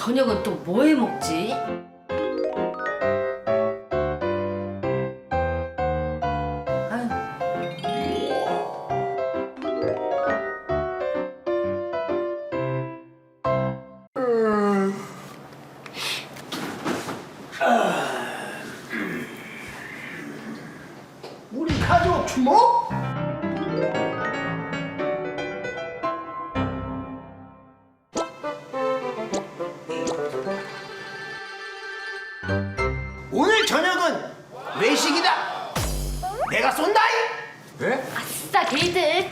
저녁은 또 뭐 해 먹지? 우리 가족 주먹? 오늘 저녁은 외식이다. 내가 쏜다이. 네? 아싸 게이들.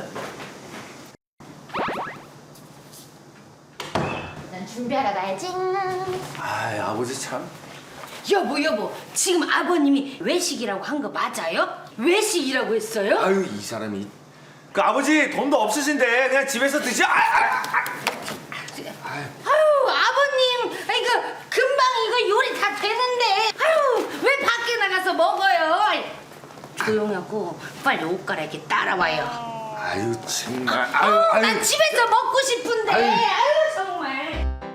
난 준비하러 가야지. 아, 아버지 참. 여보 지금 아버님이 외식이라고 한 거 맞아요? 외식이라고 했어요? 아유, 이 사람이. 그 아버지 돈도 없으신데 그냥 집에서 드시. 아유 아버님 이거 금방 이거 요리 다 되는데 아유 왜 밖에 나가서 먹어요? 조용하고 빨리 옷 갈아입게 따라와요. 아유, 정말. 난 집에서 먹고 싶은데 아유 정말.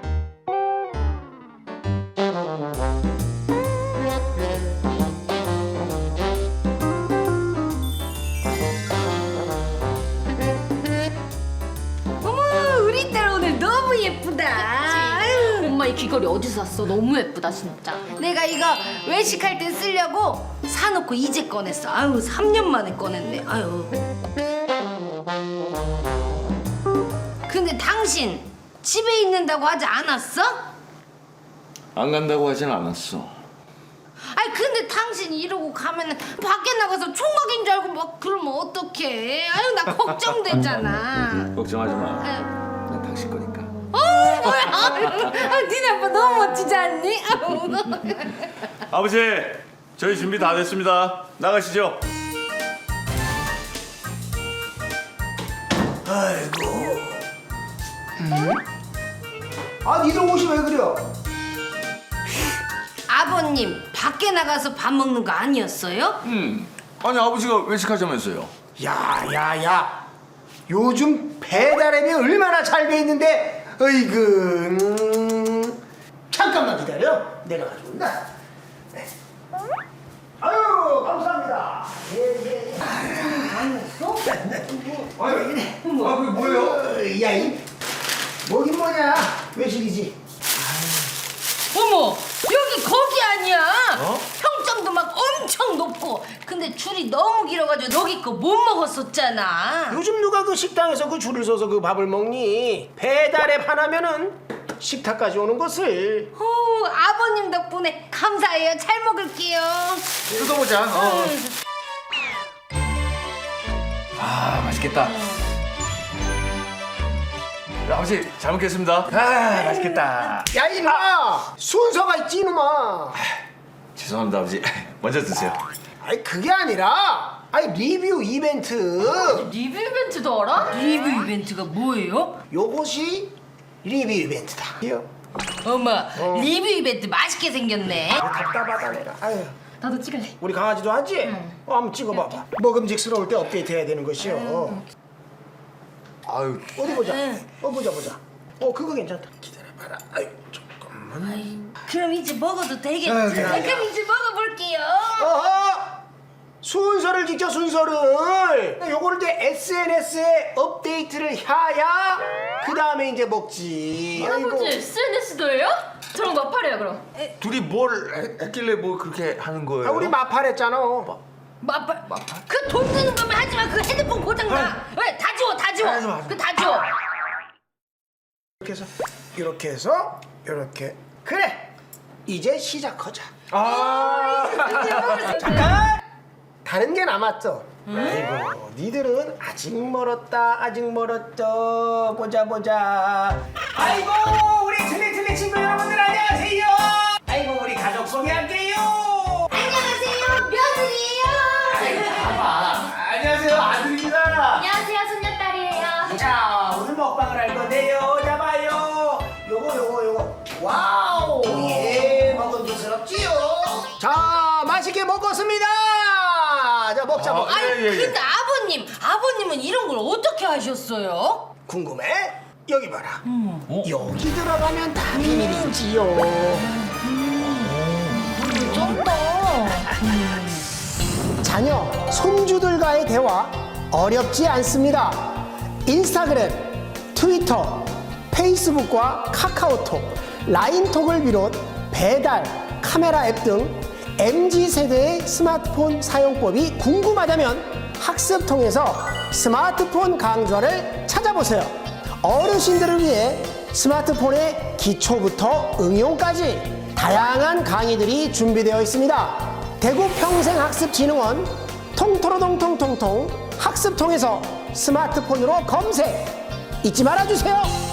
어머 우리 딸 오늘 너무 예쁘다. 아유. 엄마 이 귀걸이 어디서 샀어? 너무 예쁘다 진짜. 내가 이거 외식할 때 쓰려고 사놓고 이제 꺼냈어. 아유 3년 만에 꺼냈네. 아유. 근데 당신 집에 있는다고 하지 않았어? 안 간다고 하진 않았어. 아니 근데 당신 이러고 가면은 밖에 나가서 총각인 줄 알고 막 그러면 어떡해? 아유 나 걱정되잖아. 걱정하지 마. 아유. 난 당신 거니까. 뭐야? 니네 아빠 너무 멋지지 않니? 아버지, 저희 준비 다 됐습니다. 나가시죠. 아이고. 아, 니들 옷이 왜 그려? 아버님 밖에 나가서 밥 먹는 거 아니었어요? 아니, 아버지가 외식하자면서요. 야. 요즘 배달앱이 얼마나 잘 돼 있는데, 어이구. 잠깐만 기다려. 내가 가져온다. 네. 아유, 감사합니다. 예. 그게 뭐예요? 야, 뭐긴 뭐냐. 외식이지. 어머 여기 거기 아니야? 평점도 막 엄청 높고 근데 줄이 너무 길어가지고 너기 거 못 먹었었잖아. 요즘 누가 그 식당에서 그 줄을 서서 그 밥을 먹니? 배달앱 하나면은 식탁까지 오는 것을. 아버님 덕분에 감사해요. 잘 먹을게요. 뜯어보자. 아, 맛있겠다. 아버지, 잘 먹겠습니다. 아, 맛있겠다. 야, 이놈아! 순서가 있지, 이놈아! 죄송합니다, 아버지. 먼저 드세요. 아니, 그게 아니라, 리뷰 이벤트. 리뷰 이벤트도 알아? 리뷰 이벤트가 뭐예요? 요것이 리뷰 이벤트다. 어머 리뷰 이벤트 맛있게 생겼네. 답답하다, 내가. 아유. 나도 찍을래. 우리 강아지도 하지? 한번 찍어봐봐. 먹음직스러울 때 업데이트 해야 되는 것이요. 아유, 어디 보자. 보자. 그거 괜찮다. 기다려봐라. 아유, 잠깐만. 그럼 이제 먹어도 되겠지? 그래. 그럼 이제 먹어볼게요. 어허! 순서를 지켜, 순서를. 요거를 이제 SNS에 업데이트를 해야 그 다음에 이제 먹지. 할아버지 SNS도 해요? 저랑 마팔해요 그럼. 둘이 뭘 했길래 뭐 그렇게 하는 거예요? 우리 마팔했잖아. 마팔. 그 돈 드는 거면 하지마. 그 핸드폰 고장나. 왜? 다 지워. 하지마. 그 다 지워. 이렇게 해서 이렇게. 그래. 이제 시작하자. 잠깐. 다른 게 남았어. 아이고, 니들은 아직 멀었죠. 보자. 아이고, 우리 틀리 친구 여러분들 안녕하세요. 아이고, 우리 가족 소개할게요. 안녕하세요. 며느리예요. 안녕하세요, 아들입니다. 안녕하세요 손녀딸이에요. 자, 오늘 먹방을 할 건데요. 잡아요. 요거. 와우. 예, 먹음직스럽지요. 자, 맛있게 먹었습니다. 자, 먹자. 아니 근데 아버님은 이런 걸 어떻게 하셨어요? 궁금해? 여기 봐라. 여기 들어가면 다 비밀이지요. 자녀, 손주들과의 대화 어렵지 않습니다. 인스타그램, 트위터, 페이스북과 카카오톡, 라인톡을 비롯 배달, 카메라 앱 등 MZ세대의 스마트폰 사용법이 궁금하다면 학습통에서 스마트폰 강좌를 찾아보세요. 어르신들을 위해 스마트폰의 기초부터 응용까지 다양한 강의들이 준비되어 있습니다. 대구 평생학습진흥원 통토로동통통통 학습통에서 스마트폰으로 검색 잊지 말아주세요.